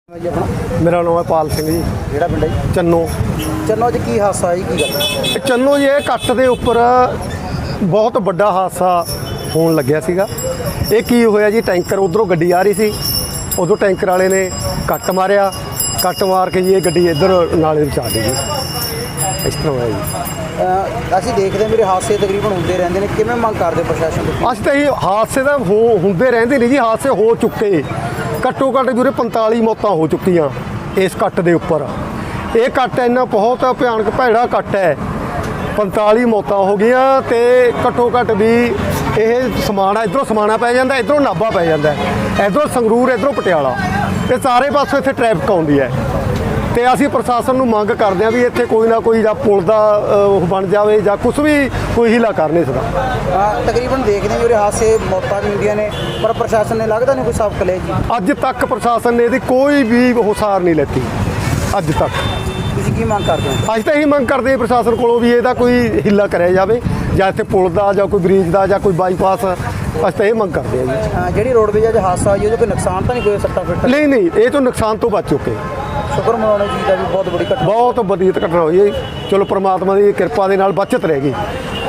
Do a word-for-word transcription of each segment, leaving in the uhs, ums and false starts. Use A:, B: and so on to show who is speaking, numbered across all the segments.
A: जी अपना
B: मेरा नाम है पाल सिंह जी।
A: ਕਿਹੜਾ ਪਿੰਡ ਹੈ ਜੀ?
B: चन्नो
A: ਚੰਨੋ 'ਚ ਕੀ ਹਾਦਸਾ ਜੀ, ਕੀ ਗੱਲ?
B: चन्नो जी ਇਹ ਕੱਟ ਦੇ ਉੱਪਰ ਬਹੁਤ ਵੱਡਾ ਹਾਦਸਾ ਹੋਣ ਲੱਗਿਆ ਸੀਗਾ। ਇਹ ਕੀ ਹੋਇਆ ਜੀ, ਟੈਂਕਰ ਉਧਰੋਂ ਗੱਡੀ ਆ ਰਹੀ ਸੀ, ਉਦੋਂ ਟੈਂਕਰ ਵਾਲੇ ਨੇ ਕੱਟ ਮਾਰਿਆ। ਕੱਟ ਮਾਰ ਕੇ ਜੀ ਇਹ ਗੱਡੀ ਇੱਧਰ ਨਾਲੇ ਵਿੱਚ ਆ ਗਈ ਜੀ। ਇਸ ਤਰ੍ਹਾਂ ਹੋਇਆ ਜੀ।
A: ਅਹ ਅਸੀਂ ਦੇਖਦੇ ਹਾਂ ਮੇਰੇ ਹਾਦਸੇ ਤਕਰੀਬਨ ਹੁੰਦੇ ਰਹਿੰਦੇ ਨੇ, ਕਿਵੇਂ ਮੰਗ ਕਰਦੇ ਪ੍ਰਸ਼ਾਸਨ ਤੋਂ?
B: ਅੱਜ ਤਾਂ ਇਹ ਹਾਦਸੇ ਤਾਂ ਹੋ ਹੁੰਦੇ ਰਹਿੰਦੇ ਨੇ ਜੀ, ਹਾਦਸੇ ਹੋ ਚੁੱਕੇ ਘੱਟੋ ਘੱਟ ਵੀਰੇ ਪੰਤਾਲੀ ਮੌਤਾਂ ਹੋ ਚੁੱਕੀਆਂ ਇਸ ਕੱਟ ਦੇ ਉੱਪਰ। ਇਹ ਕੱਟ ਇੰਨਾ ਬਹੁਤ ਭਿਆਨਕ ਭੈੜਾ ਕੱਟ ਹੈ, ਪੰਤਾਲੀ ਮੌਤਾਂ ਹੋ ਗਈਆਂ। ਤੇ ਘੱਟੋ ਘੱਟ ਵੀ ਇਹ ਸਮਾਣਾ ਇੱਧਰੋਂ ਸਮਾਣਾ ਪੈ ਜਾਂਦਾ, ਇੱਧਰੋਂ ਨਾਭਾ ਪੈ ਜਾਂਦਾ, ਇੱਧਰੋਂ ਸੰਗਰੂਰ, ਇੱਧਰੋਂ ਪਟਿਆਲਾ, ਤੇ ਸਾਰੇ ਪਾਸੋਂ ਇੱਥੇ ਟ੍ਰੈਫਿਕ ਆਉਂਦੀ ਹੈ। ਤੇ ਅਸੀਂ ਪ੍ਰਸ਼ਾਸਨ ਨੂੰ ਮੰਗ ਕਰਦੇ ਹਾਂ ਵੀ ਇੱਥੇ ਕੋਈ ਨਾ ਕੋਈ ਜਾਂ ਪੁਲ ਦਾ ਉਹ ਬਣ ਜਾਵੇ ਜਾਂ ਕੁਛ ਵੀ ਕੋਈ ਹੀਲਾ ਕਰ ਨਹੀਂ ਸਕਦਾ।
A: ਅਹ ਤਕਰੀਬਨ ਦੇਖਦੇ ਹਾਂ ਮੇਰੇ ਹਾਦਸੇ ਮੌਤਾਂ ਵੀ ਹੁੰਦੀਆਂ ਨੇ, ਪਰ ਪ੍ਰਸ਼ਾਸਨ ਨੇ ਲੱਗਦਾ ਨਹੀਂ ਕੋਈ ਸਬਕ ਲਿਆ ਜੀ।
B: ਅੱਜ ਤੱਕ ਪ੍ਰਸ਼ਾਸਨ ਨੇ ਇਹਦੀ ਕੋਈ ਵੀ ਹੁਸਾਰ ਨਹੀਂ ਲੈਤੀ ਅੱਜ ਤੱਕ।
A: ਤੁਸੀਂ ਕੀ ਮੰਗ ਕਰਦੇ ਹੋ?
B: ਅੱਜ ਤਾਂ ਇਹੀ ਮੰਗ ਕਰਦੇ ਹਾਂ ਪ੍ਰਸ਼ਾਸਨ ਕੋਲੋਂ ਵੀ ਇਹਦਾ ਕੋਈ ਹੀਲਾ ਕਰਿਆ ਜਾਵੇ, ਜਾਂ ਇੱਥੇ ਪੁਲ ਦਾ ਜਾਂ ਕੋਈ ਬ੍ਰਿਜ ਦਾ ਜਾਂ ਕੋਈ ਬਾਈਪਾਸ। ਅਸੀਂ ਤਾਂ ਇਹ ਮੰਗ ਕਰਦੇ ਹਾਂ ਜੀ।
A: ਅਹ ਜਿਹੜੀ ਰੋਡਵੇਜ ਅੱਜ ਹਾਦਸਾ ਹੋਈ ਉਹਦੇ ਕੋਈ ਨੁਕਸਾਨ ਤਾਂ ਨਹੀਂ ਕੋਈ ਸੱਟਾਂ ਫਿੱਟਾਂ?
B: ਨਹੀਂ ਨਹੀਂ, ਇਹ ਤੋਂ ਨੁਕਸਾਨ ਤੋਂ ਬਚ ਚੁੱਕੇ।
A: ਸ਼ੁਕਰ ਮਨਾਉਣਾ ਚਾਹੀਦਾ ਵੀ ਬਹੁਤ ਬੜੀ ਘਟਨਾ।
B: ਬਹੁਤ ਵਧੀਆ ਘਟਨਾ ਹੋਈ ਹੈ। ਚਲੋ ਪ੍ਰਮਾਤਮਾ ਦੀ ਕਿਰਪਾ ਦੇ ਨਾਲ ਬਚਤ ਰਹਿ ਗਈ।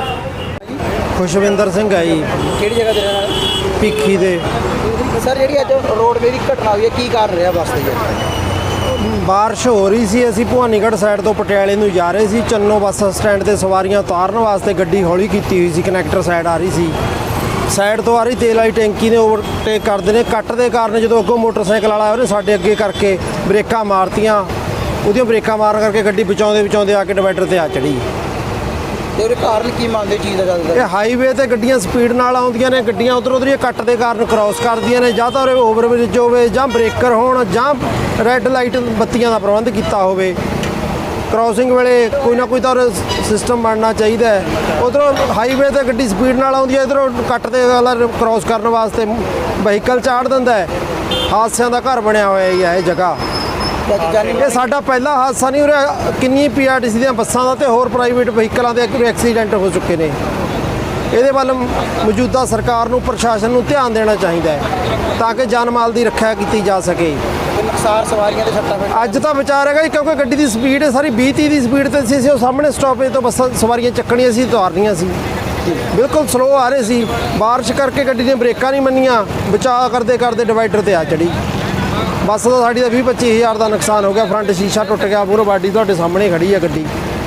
C: ਖੁਸ਼ਵਿੰਦਰ ਸਿੰਘ ਹੈ ਜੀ,
A: ਕਿਹੜੀ ਜਗ੍ਹਾ ਤੇ ਰਹਿਣ ਵਾਲੇ?
C: ਭਿੱਖੀ ਦੇ।
A: ਸਰ ਜਿਹੜੀ ਅੱਜ ਰੋਡਵੇਜ ਦੀ ਘਟਨਾ ਹੋਈ ਹੈ, ਕੀ ਕਾਰਨ ਰਿਹਾ ਬੱਸ ਦੀ?
C: ਬਾਰਿਸ਼ ਹੋ ਰਹੀ ਸੀ, ਅਸੀਂ ਭਵਾਨੀਗੜ੍ਹ ਸਾਈਡ ਤੋਂ ਪਟਿਆਲੇ ਨੂੰ ਜਾ ਰਹੇ ਸੀ। ਚੰਨੋ ਬੱਸ ਸਟੈਂਡ ਤੇ ਸਵਾਰੀਆਂ ਉਤਾਰਨ ਵਾਸਤੇ ਗੱਡੀ ਹੌਲੀ ਕੀਤੀ ਹੋਈ ਸੀ, ਕਨੈਕਟਰ ਸਾਈਡ ਆ ਰਹੀ ਸੀ। ਸਾਈਡ ਤੋਂ ਆ ਰਹੀ ਤੇਲ ਵਾਲੀ ਟੈਂਕੀ ਨੇ ਓਵਰਟੇਕ ਕਰਦੇ ਨੇ। ਕੱਟ ਦੇ ਕਾਰਨ ਜਦੋਂ ਅੱਗੋਂ ਮੋਟਰਸਾਈਕਲ ਵਾਲਾ ਉਹਨੇ ਸਾਡੇ ਅੱਗੇ ਕਰਕੇ ਬ੍ਰੇਕਾਂ ਮਾਰਤੀਆਂ। ਉਹਦੀਆਂ ਬ੍ਰੇਕਾਂ ਮਾਰਨ ਕਰਕੇ ਗੱਡੀ ਬਚਾਉਂਦੇ ਬਚਾਉਂਦੇ ਆ ਕੇ ਡਿਵਾਈਡਰ ਤੇ ਆ ਚੜੀ।
A: ਤੇ ਉਹਦੇ ਕਾਰਨ ਕੀ ਮੰਨਦੇ ਚੀਜ਼ ਦਾ ਜ਼ਿਆਦਾ?
C: ਇਹ ਹਾਈਵੇ ਤੇ ਗੱਡੀਆਂ ਸਪੀਡ ਨਾਲ ਆਉਂਦੀਆਂ ਨੇ, ਗੱਡੀਆਂ ਉੱਧਰ ਉੱਧਰ ਕੱਟ ਦੇ ਕਾਰਨ ਕ੍ਰਾਸ ਕਰਦੀਆਂ ਨੇ। ਜਾਂ ਤਾਂ ਉਰੇ ਓਵਰਬ੍ਰਿਜ ਹੋਵੇ, ਜਾਂ ਬ੍ਰੇਕਰ ਹੋਣ, ਜਾਂ ਰੈੱਡ ਲਾਈਟ ਬੱਤੀਆਂ ਦਾ ਪ੍ਰਬੰਧ ਕੀਤਾ ਹੋਵੇ। ਕ੍ਰਾਸਿੰਗ ਵੇਲੇ ਕੋਈ ਨਾ ਕੋਈ ਤਾਂ ਸਿਸਟਮ ਬਣਨਾ ਚਾਹੀਦਾ ਹੈ। ਉੱਧਰੋਂ ਹਾਈਵੇ ਤੇ ਗੱਡੀ ਸਪੀਡ ਨਾਲ ਆਉਂਦੀ ਹੈ, ਇੱਧਰੋਂ ਕੱਟ ਦੇ ਵਾਲਾ ਕ੍ਰਾਸ ਕਰਨ ਵਾਸਤੇ ਵਹੀਕਲ ਚਾੜ ਦਿੰਦਾ ਹੈ। ਹਾਦਸਿਆਂ ਦਾ ਘਰ ਬਣਿਆ ਹੋਇਆ ਹੈ ਇਹ ਜਗ੍ਹਾ। ਇਹ ਸਾਡਾ ਪਹਿਲਾ ਹਾਦਸਾ ਨਹੀਂ, ਉਰੇ ਕਿੰਨੀ ਪੀ ਆਰ ਟੀ ਸੀ ਦੀਆਂ ਬੱਸਾਂ ਦਾ ਤੇ ਹੋਰ ਪ੍ਰਾਈਵੇਟ ਵਹੀਕਲਾਂ ਦੇ ਐਕਸੀਡੈਂਟ ਹੋ ਚੁੱਕੇ ਨੇ। ਇਹਦੇ ਵੱਲ ਮੌਜੂਦਾ ਸਰਕਾਰ ਨੂੰ, ਪ੍ਰਸ਼ਾਸਨ ਨੂੰ ਧਿਆਨ ਦੇਣਾ ਚਾਹੀਦਾ ਹੈ ਤਾਂ ਕਿ ਜਾਨ ਮਾਲ ਦੀ ਰੱਖਿਆ ਕੀਤੀ ਜਾ ਸਕੇ।
A: ਨੁਕਸਾਨ ਸਵਾਰੀਆਂ ਦੇ ਸੱਟਾਂ ਫਿੱਟਾਂ
C: ਅੱਜ ਤਾਂ ਵਿਚਾਰ ਹੈਗਾ ਜੀ, ਕਿਉਂਕਿ ਗੱਡੀ ਦੀ ਸਪੀਡ ਸਾਰੀ ਵੀਹ ਤੀਹ ਦੀ ਸਪੀਡ ਤੇ ਸੀ। ਅਸੀਂ ਉਹ ਸਾਹਮਣੇ ਸਟਾਪੇਜ ਤੋਂ ਬੱਸਾਂ ਸਵਾਰੀਆਂ ਚੱਕਣੀਆਂ ਸੀ, ਉਤਾਰਨੀਆਂ ਸੀ, ਬਿਲਕੁਲ ਸਲੋ ਆ ਰਹੇ ਸੀ। ਬਾਰਿਸ਼ ਕਰਕੇ ਗੱਡੀ ਦੀਆਂ ਬ੍ਰੇਕਾਂ ਨਹੀਂ ਮੰਨੀਆਂ, ਬਚਾਅ ਕਰਦੇ ਕਰਦੇ ਡਿਵਾਈਡਰ ਤੇ ਆ ਚੜੀ। ਬੱਸ ਦਾ ਸਾਡੀ ਦਾ ਵੀਹ ਪੱਚੀ ਹਜ਼ਾਰ ਦਾ ਨੁਕਸਾਨ ਹੋ ਗਿਆ। ਫਰੰਟ ਸ਼ੀਸ਼ਾ ਟੁੱਟ ਗਿਆ, ਮੂਹਰੋਂ ਬਾਡੀ ਤੁਹਾਡੇ ਸਾਹਮਣੇ ਖੜੀ ਹੈ ਗੱਡੀ।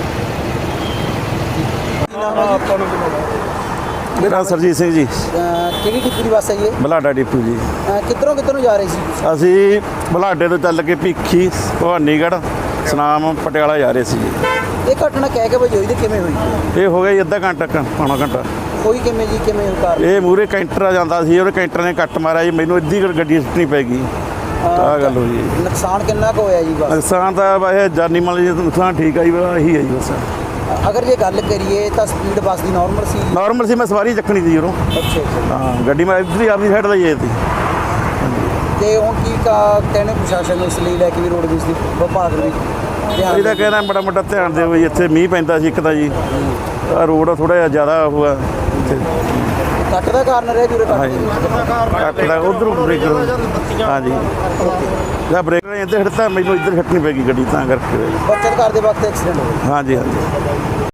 D: ਮੇਰਾ ਸਰਜੀਤ ਸਿੰਘ ਜੀ।
A: ਕਿਹੜੀ ਟਿੱਪੂ ਦੀ ਬੱਸ ਹੈ ਜੀ?
D: ਬਲਾਡਾ ਡਿਪੂ ਜੀ।
A: ਅਹ ਕਿੱਧਰੋਂ ਕਿੱਧਰੋਂ ਜਾ ਰਹੇ ਸੀ?
D: ਅਸੀਂ ਬਲਾਡੇ ਤੋਂ ਚੱਲ ਕੇ ਭਿੱਖੀ, ਭਵਾਨੀਗੜ੍ਹ, ਸੁਨਾਮ, ਪਟਿਆਲਾ ਜਾ ਰਹੇ ਸੀ ਜੀ।
A: ਇਹ ਘਟਨਾ ਕਹਿ ਕੇ ਵਜੋਈ ਤੇ ਕਿਵੇਂ ਹੋਈ?
D: ਇਹ ਹੋ ਗਿਆ ਜੀ ਅੱਧਾ ਘੰਟਾ ਕ ਪੌਣਾ ਘੰਟਾ।
A: ਕੋਈ ਕਿਵੇਂ ਜੀ, ਕਿਵੇਂ ਕਾਰ?
D: ਇਹ ਮੂਹਰੇ ਕੈਂਟਰ ਜਾਂਦਾ ਸੀ, ਉਹਨੇ ਕੈਂਟਰ ਨੇ ਕੱਟ ਮਾਰਿਆ ਜੀ, ਮੈਨੂੰ ਅੱਧੀ ਕੁ ਗੱਡੀ ਸਿੱਟਣੀ ਪੈ ਗਈ। ਆਹ ਗੱਲ ਹੋਈ ਜੀ।
A: ਨੁਕਸਾਨ ਕਿੰਨਾ ਕੁ ਹੋਇਆ ਜੀ ਬੱਸ?
D: ਨੁਕਸਾਨ ਤਾਂ ਵੈਸੇ ਜਾਨੀ ਮਾਲੀ ਨੁਕਸਾਨ ਠੀਕ ਆ ਜੀ, ਇਹੀ ਹੈ ਜੀ ਬਸ।
A: ਅਗਰ ਜੇ ਗੱਲ ਕਰੀਏ ਤਾਂ ਸਪੀਡ ਬੱਸ ਦੀ ਨਾਰਮਲ ਸੀ?
D: ਨਾਰਮਲ ਸੀ, ਮੈਂ ਸਵਾਰੀ ਚੱਕਣੀ ਸੀ ਉਰੋਂ।
A: ਅੱਛਾ ਅੱਛਾ।
D: ਹਾਂ, ਗੱਡੀ ਮੈਂ ਇੱਧਰ ਆਪਣੀ ਸਾਈਡ ਦਾ ਹੀ ਸੀ।
A: ਤੇ ਹੁਣ ਕੀ ਕਾ ਕਹਿੰਦੇ ਪ੍ਰਸ਼ਾਸਨ ਨੂੰ ਇਸ ਲਈ ਲੈ ਕੇ ਵੀ ਰੋਡਵੇਜ਼ ਦੀ ਵਿਭਾਗ ਵੀ ਧਿਆਨ
D: ਇਹਦਾ ਕਹਿਣਾ ਬੜਾ ਵੱਡਾ ਧਿਆਨ ਦਿਓ ਜੀ। ਇੱਥੇ ਮੀਂਹ ਪੈਂਦਾ ਸੀ ਇੱਕ ਤਾਂ ਜੀ, ਆਹ ਰੋਡ ਥੋੜ੍ਹਾ ਜਿਹਾ ਜ਼ਿਆਦਾ ਹੋਇਆ ਇੱਥੇ।
A: ਕੱਟ ਦਾ ਕਾਰਨ ਰਿਹਾ ਜੂਰੇ
D: ਹਾਂਜੀ, ਕੱਟ ਦਾ ਉਧਰੋਂ ਬ੍ਰੇਕਰ। ਹਾਂਜੀ, ਜਾਂ ਬ੍ਰੇਕਰ ਨੇ ਇੱਧਰ ਹਿੱਟਤਾ, ਮੈਨੂੰ ਇੱਧਰ ਹਿੱਟਣੀ ਪੈ ਗਈ ਗੱਡੀ, ਤਾਂ ਕਰਕੇ।
A: ਬੱਚਤ ਕਰਦੇ ਵਕਤ ਐਕਸੀਡੈਂਟ ਹੋ ਗਿਆ।
D: ਹਾਂਜੀ ਹਾਂਜੀ।